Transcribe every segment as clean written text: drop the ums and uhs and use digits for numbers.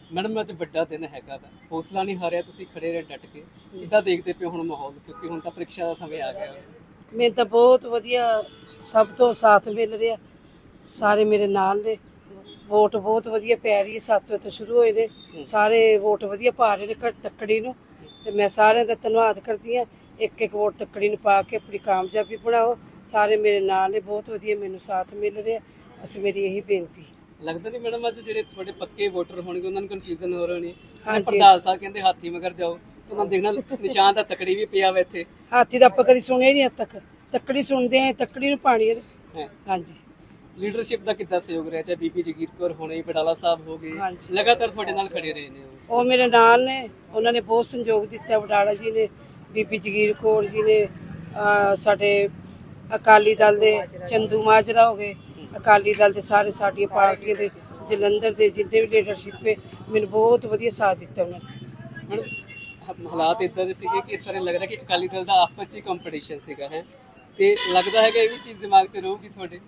Madam अज बड़ा दिन हैगा वा, हौसला नहीं हारिया, तुसीं खड़े रहे डट के, किद्दां देखदे पे हुण माहौल, क्योंकि हुण तां परीक्षा दा समय आ गया। ਮੈਨੂੰ ਤਾਂ ਬਹੁਤ ਵਧੀਆ ਸਭ ਤੋਂ ਸਾਥ ਮਿਲ ਰਿਹਾ, ਸਾਰੇ ਮੇਰੇ ਨਾਲ ਨੇ। ਵੋਟ ਬਹੁਤ ਵਧੀਆ ਪੈ ਰਹੀ ਹੈ, 7 ਵਜੇ ਤੋਂ ਸ਼ੁਰੂ ਹੋਏ ਨੇ, ਸਾਰੇ ਵੋਟ ਵਧੀਆ ਪਾ ਰਹੇ ਨੇ ਤੱਕੜੀ ਨੂੰ, ਤੇ ਮੈਂ ਸਾਰਿਆਂ ਦਾ ਧੰਨਵਾਦ ਕਰਦੀ ਹਾਂ। ਇੱਕ ਇੱਕ ਵੋਟ ਤੱਕੜੀ ਨੂੰ ਪਾ ਕੇ ਆਪਣੀ ਕਾਮਯਾਬੀ ਬਣਾਓ। ਸਾਰੇ ਮੇਰੇ ਨਾਲ ਨੇ, ਬਹੁਤ ਵਧੀਆ ਮੈਨੂੰ ਸਾਥ ਮਿਲ ਰਿਹਾ। ਅਸੀਂ ਮੇਰੀ ਇਹੀ ਬੇਨਤੀ। लगता नहीं मैडम अज जो थोड़े पक्के वोटर होंगे उन्होंने कन्फ्यूजन हो रही हाँ जी। प्रधान साहब कहते हाथी मगर जाओ, उन्होंने देखना निशान ਤਾਂ ਤਕੜੀ ਵੀ ਪਿਆ ਵਾ ਇੱਥੇ। ਹਾਥੀ ਦਾ ਆਪਾਂ ਕਦੀ ਸੁਣਿਆ ਹੀ ਨਹੀਂ ਅੱਜ ਤੱਕ, ਤੱਕੜੀ ਸੁਣਦੇ ਆ, ਤੱਕੜੀ ਨੂੰ ਪਾਣੀ ਹੈ। ਹਾਂਜੀ। ਲੀਡਰਸ਼ਿਪ ਦਾ ਕਿੱਦਾਂ ਸਹਿਯੋਗ ਰਿਹਾ, ਚਾਹੇ ਬੀਬੀ ਜਗੀਰ ਕੌਰ ਹੋਣੇ, ਬਡਾਲਾ ਸਾਹਿਬ ਹੋ ਗਏ, ਹਾਂਜੀ। ਲਗਾਤਾਰ ਤੁਹਾਡੇ ਨਾਲ ਖੜੇ ਰਹੇ ਨੇ ਉਹ ਮੇਰੇ ਨਾਲ ਨੇ, ਉਹਨਾਂ ਨੇ ਬਹੁਤ ਸੰਯੋਗ ਦਿੱਤਾ। ਬਡਾਲਾ ਜੀ ਨੇ, ਬੀਬੀ ਜਗੀਰ ਕੌਰ ਜੀ ਨੇ, ਸਾਡੇ ਅਕਾਲੀ ਦਲ ਦੇ ਚੰਦੂ ਮਾਜਰਾ ਹੋ ਗਏ, ਅਕਾਲੀ ਦਲ ਦੇ ਸਾਰੇ ਸਾਡੀਆਂ ਪਾਰਟੀਆਂ ਦੇ ਜਲੰਧਰ ਦੇ ਜਿੰਨੇ ਵੀ ਲੀਡਰਸ਼ਿਪ ਹੈ, ਮੈਨੂੰ ਬਹੁਤ ਵਧੀਆ ਸਾਥ ਦਿੱਤਾ ਉਹਨਾਂ ਨੇ। ਹੁਣ ਹਾਲਾਤ ਇਦਾਂ ਦੇ ਸੀਗੇ ਕਿ ਇਸ ਵਾਰ ਲੱਗ ਰਿਹਾ ਕਿ ਅਕਾਲੀ ਦਲ ਦਾ ਆਪਸ 'ਚ ਕੰਪੀਟੀਸ਼ਨ ਸੀਗਾ ਹੈ, ਤੇ ਲੱਗਦਾ ਹੈਗਾ ਇਹ ਵੀ ਚੀਜ਼ ਦਿਮਾਗ 'ਚ ਰਹੂਗੀ ਤੁਹਾਡੇ।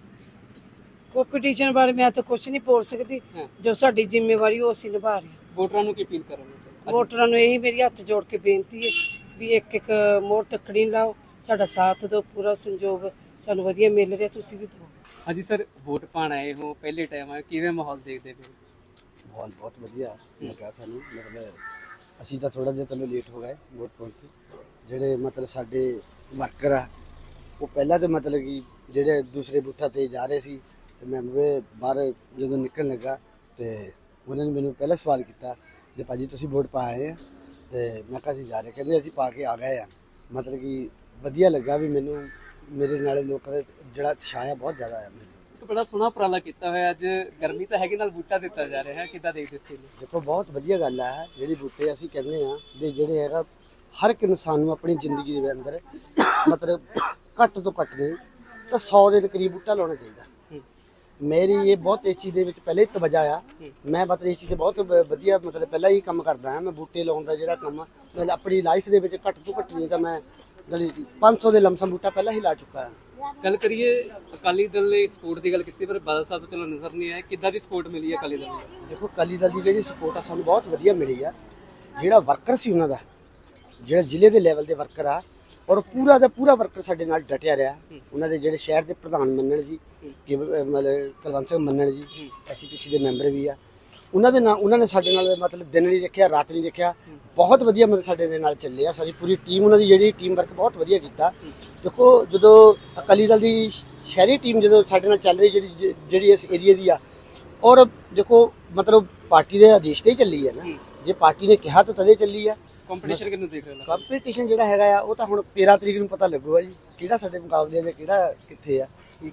ਕੰਪੀਟੀਸ਼ਨ ਬਾਰੇ ਮੈਂ ਤਾਂ ਕੁਝ ਨਹੀਂ ਬੋਲ ਸਕਦੀ, ਜੋ ਸਾਡੀ ਜ਼ਿੰਮੇਵਾਰੀ ਉਹ ਅਸੀਂ ਨਿਭਾ ਰਹੇ ਹਾਂ। ਵੋਟਰਾਂ ਨੂੰ ਕੀ ਅਪੀਲ ਕਰੋਗੇ? ਵੋਟਰਾਂ ਨੂੰ ਇਹੀ ਮੇਰੀ ਹੱਥ ਜੋੜ ਕੇ ਬੇਨਤੀ ਹੈ ਵੀ ਇੱਕ ਇੱਕ ਮੋਹਰ ਤੱਕੜੀ ਲਾਓ, ਸਾਡਾ ਸਾਥ ਦਿਓ, ਪੂਰਾ ਸੰਯੋਗ ਸਾਨੂੰ ਵਧੀਆ ਮਿਲ ਰਿਹਾ, ਤੁਸੀਂ ਵੀ ਦਿਓ। ਹਾਂਜੀ ਸਰ, ਵੋਟ ਪਾਣ ਆਏ ਹੋ, ਪਹਿਲੇ ਟਾਈਮ ਆਏ, ਕਿਵੇਂ ਮਾਹੌਲ ਦੇਖਦੇ ਪਏ? ਮਾਹੌਲ ਬਹੁਤ ਵਧੀਆ ਲੱਗਾ ਸਾਨੂੰ। ਮਤਲਬ ਅਸੀਂ ਤਾਂ ਥੋੜਾ ਜਿਹਾ ਤੈਨੂੰ ਲੇਟ ਹੋ ਗਏ ਵੋਟ ਪਾਉਣ 'ਤੇ। ਜਿਹੜੇ ਮਤਲਬ ਸਾਡੇ ਵਰਕਰ ਆ ਉਹ ਪਹਿਲਾਂ ਤਾਂ ਮਤਲਬ ਕਿ ਜਿਹੜੇ ਦੂਸਰੇ ਬੂਥਾਂ 'ਤੇ ਜਾ ਰਹੇ ਸੀ, ਤੇ ਮੈਂ ਬਾਹਰ ਜਦੋਂ ਨਿਕਲਣ ਲੱਗਾ ਤੇ ਉਹਨਾਂ ਨੇ ਮੈਨੂੰ ਪਹਿਲਾਂ ਸਵਾਲ ਕੀਤਾ ਜੇ ਭਾਜੀ ਤੁਸੀਂ ਵੋਟ ਪਾ ਆਏ ਆ, ਤੇ ਮੈਂ ਕਿਹਾ ਅਸੀਂ ਜਾ ਰਹੇ, ਕਹਿੰਦੇ ਅਸੀਂ ਪਾ ਕੇ ਆ ਗਏ ਆ। ਮਤਲਬ ਕਿ ਵਧੀਆ ਲੱਗਾ ਵੀ ਮੈਨੂੰ, ਮੇਰੇ ਨਾਲ ਲੋਕਾਂ ਦਾ ਜਿਹੜਾ ਉਤਸ਼ਾਹ ਆ ਬਹੁਤ ਜ਼ਿਆਦਾ ਆ। ਮੈਨੂੰ ਇੱਕ ਬੜਾ ਸੋਹਣਾ ਉਪਰਾਲਾ ਕੀਤਾ ਹੋਇਆ, ਅੱਜ ਗਰਮੀ ਤਾਂ ਹੈਗੀ ਨਾਲ ਬੂਟਾ ਦਿੱਤਾ ਜਾ ਰਿਹਾ ਹੈ, ਕਿੱਦਾਂ ਦੇਖਦੇ ਸੀ? ਦੇਖੋ ਬਹੁਤ ਵਧੀਆ ਗੱਲ ਆ ਜਿਹੜੀ ਬੂਟੇ ਅਸੀਂ ਕਹਿੰਦੇ ਆ ਵੀ ਜਿਹੜੇ ਹੈਗਾ ਹਰ ਇੱਕ ਇਨਸਾਨ ਨੂੰ ਆਪਣੀ ਜ਼ਿੰਦਗੀ ਦੇ ਅੰਦਰ ਮਤਲਬ ਘੱਟ ਤੋਂ ਘੱਟ ਨਹੀਂ ਤਾਂ 100 ਦੇ ਕਰੀਬ ਬੂਟਾ ਲਾਉਣਾ ਚਾਹੀਦਾ। ਮੇਰੀ ਇਹ ਬਹੁਤ ਇਸ ਚੀਜ਼ ਦੇ ਵਿੱਚ ਪਹਿਲੇ ਤਵੱਜਾ ਆ। ਮੈਂ ਮਤਲਬ ਇਸ ਚੀਜ਼ ਤੇ ਬਹੁਤ ਵਧੀਆ ਮਤਲਬ ਪਹਿਲਾਂ ਹੀ ਕੰਮ ਕਰਦਾ ਹਾਂ। ਮੈਂ ਬੂਟੇ ਲਾਉਣ ਦਾ ਜਿਹੜਾ ਕੰਮ ਮੈਂ ਆਪਣੀ ਲਾਈਫ ਦੇ ਵਿੱਚ ਘੱਟ ਤੋਂ ਘੱਟ ਨਹੀਂ ਤਾਂ ਮੈਂ 500 ਦੇ ਲਮਸਮ ਬੂਟਾ ਪਹਿਲਾਂ ਹੀ ਲਾ ਚੁੱਕਾ ਹਾਂ। ਗੱਲ ਕਰੀਏ ਅਕਾਲੀ ਦਲ ਨੇ ਸਪੋਰਟ ਦੀ ਗੱਲ ਕੀਤੀ, ਪਰ ਬਾਦਲ ਸਾਹਿਬ ਤੋਂ ਚਲੋ ਨਜ਼ਰ ਨਹੀਂ ਆਇਆ, ਕਿੱਦਾਂ ਦੀ ਸਪੋਰਟ ਮਿਲੀ ਹੈ ਅਕਾਲੀ ਦਲ ਨੂੰ? ਦੇਖੋ ਅਕਾਲੀ ਦਲ ਦੀ ਜਿਹੜੀ ਸਪੋਰਟ ਆ ਸਾਨੂੰ ਬਹੁਤ ਵਧੀਆ ਮਿਲੀ ਆ। ਜਿਹੜਾ ਵਰਕਰ ਸੀ ਉਹਨਾਂ ਦਾ, ਜਿਹੜਾ ਜ਼ਿਲ੍ਹੇ ਦੇ ਲੈਵਲ ਦੇ ਵਰਕਰ ਆ, ਔਰ ਪੂਰਾ ਦਾ ਪੂਰਾ ਵਰਕਰ ਸਾਡੇ ਨਾਲ ਡਟਿਆ ਰਿਹਾ। ਉਹਨਾਂ ਦੇ ਜਿਹੜੇ ਸ਼ਹਿਰ ਦੇ ਪ੍ਰਧਾਨ ਮੰਨਣ ਜੀ, ਕਿ ਮਤਲਬ ਕੁਲਵੰਤ ਸਿੰਘ ਮੰਨਣ ਜੀ, ਐਸਪੀਸੀ ਦੇ ਮੈਂਬਰ ਵੀ ਆ, ਉਹਨਾਂ ਦੇ ਨਾਲ ਉਹਨਾਂ ਨੇ ਸਾਡੇ ਨਾਲ ਮਤਲਬ ਦਿਨ ਨਹੀਂ ਦੇਖਿਆ, ਰਾਤ ਨਹੀਂ ਦੇਖਿਆ, ਬਹੁਤ ਵਧੀਆ ਮਤਲਬ ਸਾਡੇ ਦੇ ਨਾਲ ਚੱਲੇ ਆ। ਸਾਡੀ ਪੂਰੀ ਟੀਮ, ਉਹਨਾਂ ਦੀ ਜਿਹੜੀ ਟੀਮ ਵਰਕ ਬਹੁਤ ਵਧੀਆ ਕੀਤਾ। ਦੇਖੋ ਜਦੋਂ ਅਕਾਲੀ ਦਲ ਦੀ ਸ਼ਹਿਰੀ ਟੀਮ ਜਦੋਂ ਸਾਡੇ ਨਾਲ ਚੱਲ ਰਹੀ, ਜਿਹੜੀ ਇਸ ਏਰੀਏ ਦੀ ਆ, ਔਰ ਦੇਖੋ ਮਤਲਬ ਪਾਰਟੀ ਦੇ ਆਦੇਸ਼ ਤੇ ਹੀ ਚੱਲੀ ਹੈ ਨਾ। ਜੇ ਪਾਰਟੀ ਨੇ ਕਿਹਾ ਤਾਂ ਤਦੇ ਚੱਲੀ ਆ। ਕੰਪੀਟੀਸ਼ਨ ਕਿਹਨੂੰ ਦੇਖ ਰਹੇ ਹੋ? ਕੰਪੀਟੀਸ਼ਨ ਜਿਹੜਾ ਹੈਗਾ ਆ ਉਹ ਤਾਂ ਹੁਣ 13 ਤਰੀਕ ਨੂੰ ਪਤਾ ਲੱਗੂਗਾ ਜੀ, ਕਿਹੜਾ ਸਾਡੇ ਮੁਕਾਬਲੇ ਜਾਂ ਕਿਹੜਾ ਕਿੱਥੇ ਆ।